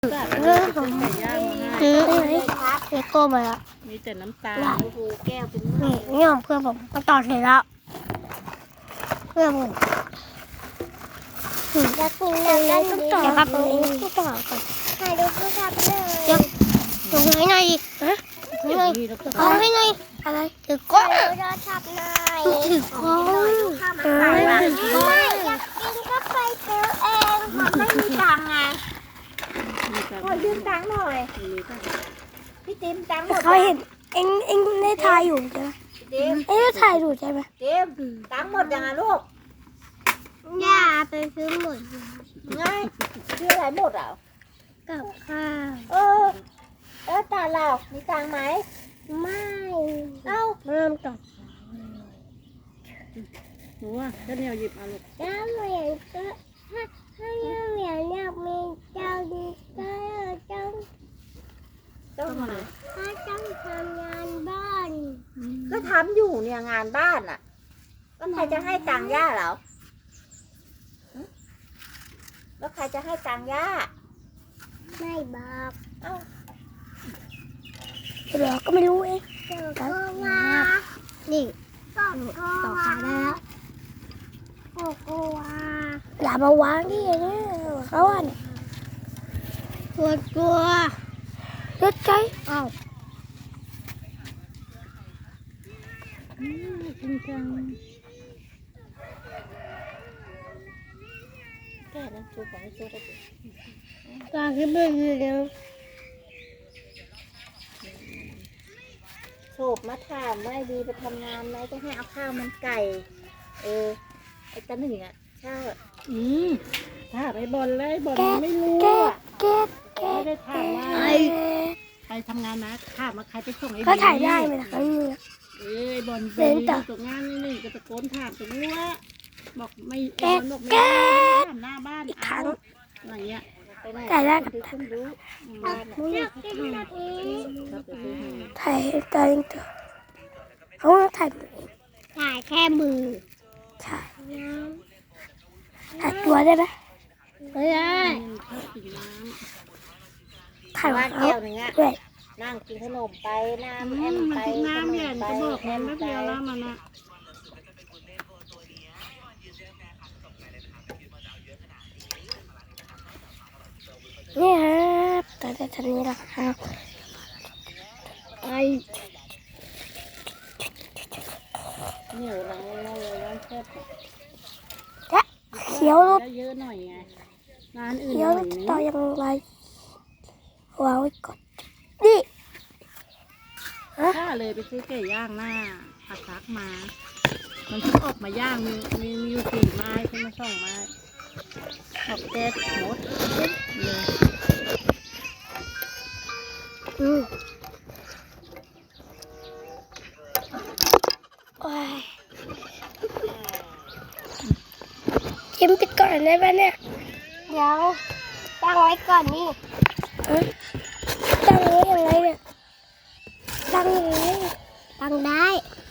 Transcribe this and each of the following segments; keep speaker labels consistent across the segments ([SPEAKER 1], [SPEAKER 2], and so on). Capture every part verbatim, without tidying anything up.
[SPEAKER 1] เรื่องของซื้อไอ้เลโก้มาแล้ว
[SPEAKER 2] มีแต่น้ำตาล
[SPEAKER 1] โอ้โหแก้วเป็นนี่นี่ของเพื่อนผมมาต่อเสร็จแล้วเพื่อนผม
[SPEAKER 3] อยากกินน้ำกันดิ
[SPEAKER 1] เดี๋ยวครับต้องต่อก่อน
[SPEAKER 3] ถ่ายรูปภาพเลย
[SPEAKER 1] เดี๋ยวลงให้หน่อยฮะให้หน่อยเอาให้หน่อยอะไรถือก้อน
[SPEAKER 3] ถ่ายรูปภาพหน่อย
[SPEAKER 1] ถือก้อนเออถือก้อ
[SPEAKER 3] ไม่
[SPEAKER 1] น
[SPEAKER 3] อยากกินก็ไปซื้อเองมันไม่มีตังค์ไงขอยืมตังค์หน่อยพี่ติ๊มตังค์หมด
[SPEAKER 1] เขาเห็นเอ็งเอ็งได้ถ่ายอยู่ใช่ไหม
[SPEAKER 3] ติ๊ม
[SPEAKER 1] เอ็งได้ถ่ายอยู่ใช่ไหม
[SPEAKER 3] ติ๊มตังค์หมดยังไงลูก
[SPEAKER 1] ย่าไปซื้อหมด
[SPEAKER 3] ไงซื้ออะไรหมดอ่ะ
[SPEAKER 1] กับข้าว
[SPEAKER 3] เออเออตาเรามีตังค์ไหม
[SPEAKER 1] ไม่
[SPEAKER 3] เอ้า
[SPEAKER 1] เริ่มต่อ
[SPEAKER 2] หนูว่าถ้าเนี่ยหยิบเอาลูก
[SPEAKER 1] ถ้าเหมือนก็ถ้าถ้าเหมือนอยากมีเจ้าดีก็ต้อง
[SPEAKER 3] ต้องมา
[SPEAKER 1] ถ้าต้องทำงานบ้าน
[SPEAKER 3] ก็ทำอยู่เนี่ยงานบ้านอ่ะก็ใครจะให้ตังค์ย่าเหรอหึแล้วใครจะให้ตังค์ย่า
[SPEAKER 1] ไม่บอก
[SPEAKER 3] เอ้า
[SPEAKER 1] เดี๋ยวก็ไม่รู้เอง
[SPEAKER 3] ก็ว่า
[SPEAKER 1] นี่
[SPEAKER 3] ก็
[SPEAKER 1] ต่อขาได้แล้วโอ้โหอย่ามาวางที่อย่างนี้เขาอ่ะเนี่ยกลัวกลัวรถใจอ้าว
[SPEAKER 2] จริงจัง
[SPEAKER 3] แค่นั้นชูของไม่ชูได้สิ
[SPEAKER 1] กลางขึ้นไปเลยเดี๋ยว
[SPEAKER 3] โฉบมาถามว่าไอ้ดีไปทำงานไหมจะให้เอาข้าวมันไก่ เออไอ้ตาหนึ่งอ่ะใช่
[SPEAKER 2] อืมถ้าไปบอลเลยบอล
[SPEAKER 1] แก๊ส
[SPEAKER 2] ไม่รู้
[SPEAKER 1] แก๊ส
[SPEAKER 2] อ่ะ
[SPEAKER 1] แก๊สแก๊
[SPEAKER 2] ไม่
[SPEAKER 1] ส
[SPEAKER 2] ได้ถามว่า
[SPEAKER 1] ไอ้
[SPEAKER 2] ใครทำงานนะถามว่าใครไปส่งไอ้
[SPEAKER 1] ก็ถ่ายได้ไหมล่ะครั้งนี้
[SPEAKER 2] เอ้ยบอลไป
[SPEAKER 1] เป็นต่อ
[SPEAKER 2] ตกงานนี่นี่ก็ตะโกนถามตรงนี้ว่าบอกไม่
[SPEAKER 1] แก๊ส
[SPEAKER 2] บอกไม่
[SPEAKER 1] แก๊
[SPEAKER 2] ได้
[SPEAKER 1] ส
[SPEAKER 2] ถามหน้าบ้าน
[SPEAKER 1] อีกครั้
[SPEAKER 2] เอา
[SPEAKER 1] ง
[SPEAKER 2] อะไรเงี้ย
[SPEAKER 3] ไปไหน
[SPEAKER 1] ถ่ายได้กับ
[SPEAKER 3] ดูขึ้นดู
[SPEAKER 2] บ้าน
[SPEAKER 1] มึง
[SPEAKER 3] อยากกินแบบนี้
[SPEAKER 2] ครับไปซื้อให้
[SPEAKER 1] ถ่ายตาเองตัวเขาถ่ายมือเอง
[SPEAKER 3] ถ่ายแค่มือ
[SPEAKER 1] ถ่ายถ่ายตัวได้ไหมไม่ได้
[SPEAKER 2] ชอบกินน้
[SPEAKER 1] ถ่าย
[SPEAKER 3] ว่า
[SPEAKER 1] ว่าเขา
[SPEAKER 3] แก้วหนึ่งอ่ะ
[SPEAKER 1] ด้วย
[SPEAKER 3] นั่งกินขนมไป
[SPEAKER 2] ำ
[SPEAKER 3] น้ำ
[SPEAKER 2] อื
[SPEAKER 3] แอ
[SPEAKER 2] ม
[SPEAKER 3] ม
[SPEAKER 2] มัน
[SPEAKER 3] ไป
[SPEAKER 2] กินน้ำเนี่ย
[SPEAKER 3] ไป
[SPEAKER 2] จะบอก
[SPEAKER 3] แอ
[SPEAKER 2] มัน
[SPEAKER 3] ม
[SPEAKER 2] ไม่
[SPEAKER 3] ไป
[SPEAKER 2] เดียวแล้วมันอ่ะ
[SPEAKER 1] นี่ครับตอนจะทำนี้ละครับไอ
[SPEAKER 2] เหนียวเราเราเลยร้านแซ่บอะ
[SPEAKER 1] และเขียวรถ
[SPEAKER 2] ได้เยอะหน่อยไงร้านอื่น
[SPEAKER 1] เขี
[SPEAKER 2] ห
[SPEAKER 1] ยว
[SPEAKER 2] น่
[SPEAKER 1] ร
[SPEAKER 2] อย
[SPEAKER 1] ถ
[SPEAKER 2] นี้
[SPEAKER 1] ต่อยังไรวางไว้ก่อนนี่ฮะ
[SPEAKER 2] ถ้าเลยไปซื้อไก่ย่างหน้าผักซักมา มันเพิ่งออกมาย่างมีมีมีอยู่สี่ไม้ขึ้นมาสองไม้ออกแก๊สหมดเลย
[SPEAKER 1] อืมโอ้ยจิ้มปิดก่อนได้ปะเนี่ยเดี๋ยวตั้งไว้ก่อนนี่เอ้ยตั้งไว้ยังไงเนี่ยตั้งยังไงตั้งได้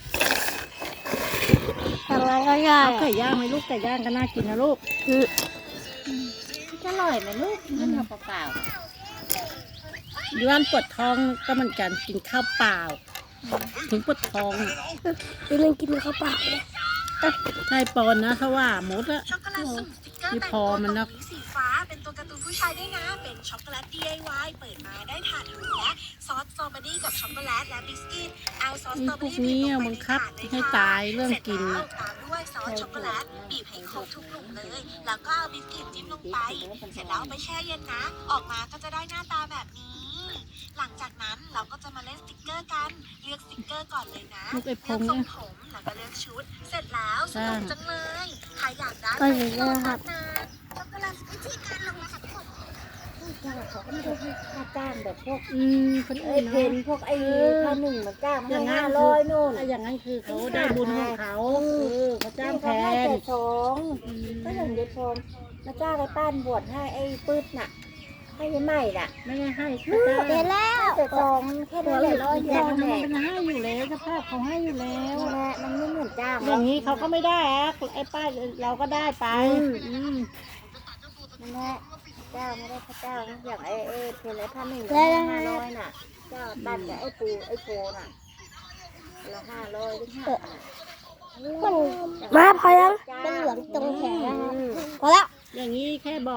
[SPEAKER 1] ตั้งไว้ก็ได้
[SPEAKER 2] เอาไก่ย่างไหมลูกไก่ย่างก็น่ากินนะลูก
[SPEAKER 1] อืม
[SPEAKER 3] อร่อยไหมลูกกินข้าวเปล่า
[SPEAKER 2] ย้อนปวดท้องก็เหมือนกันกินข้าวเปล่า ถึงปวดท้อง
[SPEAKER 1] นี่มันกินข้าวเปล่าเลย
[SPEAKER 2] ใช่ปอนนะเขาว่าหมดอะ
[SPEAKER 4] ช็อกโกแลตสุ่มสติ๊กเกอร์
[SPEAKER 2] ไม่
[SPEAKER 4] แต่ง
[SPEAKER 2] พอ
[SPEAKER 4] ตัว
[SPEAKER 2] มัน
[SPEAKER 4] เกา
[SPEAKER 2] นะ
[SPEAKER 4] หลีสีฟ้า เป็นตัวการ์ตูนผู้ชายด้วยนะ เป็นช็อกโกแลต ดี ไอ วาย เปิดมาได้ถาดหรูและซอสสตรอเบอรี่กับช็อกโกแลตและบิสกิตเอาซอสส
[SPEAKER 2] นี่
[SPEAKER 4] ตรอเบ
[SPEAKER 2] พ
[SPEAKER 4] อ
[SPEAKER 2] วก
[SPEAKER 4] รี่บี
[SPEAKER 2] นี้
[SPEAKER 4] บลงไป
[SPEAKER 2] บัง
[SPEAKER 4] ใน
[SPEAKER 2] คับ
[SPEAKER 4] ถาดเลย
[SPEAKER 2] ให้
[SPEAKER 4] ค่ะ
[SPEAKER 2] ตายเรื่อง
[SPEAKER 4] เสร็จ
[SPEAKER 2] กิน
[SPEAKER 4] แล้ว
[SPEAKER 2] อะ
[SPEAKER 4] ตามด้วยซอสช็อกโกแลตบีบให้ครบทุกกลุ่มเลย แล้วก็เอาบิสกิตจิ้มลงไป เสร็จแล้วเอาไปแช่เย็นนะ ออกมาก็จะได้หน้าตาแบบนี้ หลังจากนั้นเราก็จะมาเล่นสติกเกอร์กัน เลือกสติกเกอร์ก่อนเลยนะ
[SPEAKER 2] ลูกไอ้พ
[SPEAKER 4] เลือก
[SPEAKER 2] ง
[SPEAKER 4] ทร
[SPEAKER 2] เนี่
[SPEAKER 4] ง
[SPEAKER 2] ย
[SPEAKER 4] ผมแล้วก็เลือกชุด เสร็จแล้วสนุกจังเลย ใครอยากได้
[SPEAKER 1] ก็อย่างนี้นะครับ
[SPEAKER 4] ช็อกโกแลตวิธีการลงรหัสผม
[SPEAKER 3] ๆจ้างเขาก็ไม่ได้ให้ค่าจ้างแบบพวก
[SPEAKER 2] อืมคน
[SPEAKER 3] ไอ้
[SPEAKER 2] อื่น
[SPEAKER 3] เพ
[SPEAKER 2] นะ
[SPEAKER 3] นพวกไอ้ข้าวหนึ่งมันจ้างมา
[SPEAKER 2] อ
[SPEAKER 3] ให้
[SPEAKER 2] ย่างนั้
[SPEAKER 3] ห้าน ร้อยนู่น
[SPEAKER 2] ถ้าอย่างนั้นคือเขาได้บุญของเขาเออเขาจ้างแท
[SPEAKER 3] เขาให้
[SPEAKER 2] น
[SPEAKER 3] แต่สอง
[SPEAKER 2] อืม
[SPEAKER 3] ก็อย่างเด็ดฟองมาจ้างไอ้ป้านบวชให้ไอ้ปื๊ดน่ะ ให้ไอ้ใหม่น่ะ
[SPEAKER 2] ไม่ได้ให้เขาจ้าง
[SPEAKER 3] เดี๋ยวแล้วแต่สองแค่นั้นแหละร้อยเดี
[SPEAKER 2] อ
[SPEAKER 3] ยว
[SPEAKER 2] ย่างนั้น
[SPEAKER 3] แห
[SPEAKER 2] มัน
[SPEAKER 3] ละ
[SPEAKER 2] เป็นให้อยู่แล้วสภาพเขาให้อยู่แล้ว
[SPEAKER 3] นั่นแหละมันไม่เหมือนจ้าง
[SPEAKER 2] อย่างนี้เขาก็ไม่ได้อะไอ้ป้าเราก็ได้ไป
[SPEAKER 3] อืม
[SPEAKER 2] อืม
[SPEAKER 3] นั่นแหละเจ้าไม่ได้พระเจ้านะอย่างไอ้ไอ้เพลไอ้พันหนึ่งละห้าร้อยน่ะ เจ้าตัดกับไอ้ปูไอ้โพน่ะละห้าร้อยหรือห้าบาท
[SPEAKER 1] มันมาพอแล้วมันเหลืองตรงแขนแล้วพอแล้ว
[SPEAKER 2] อย่างนี้แค่บอก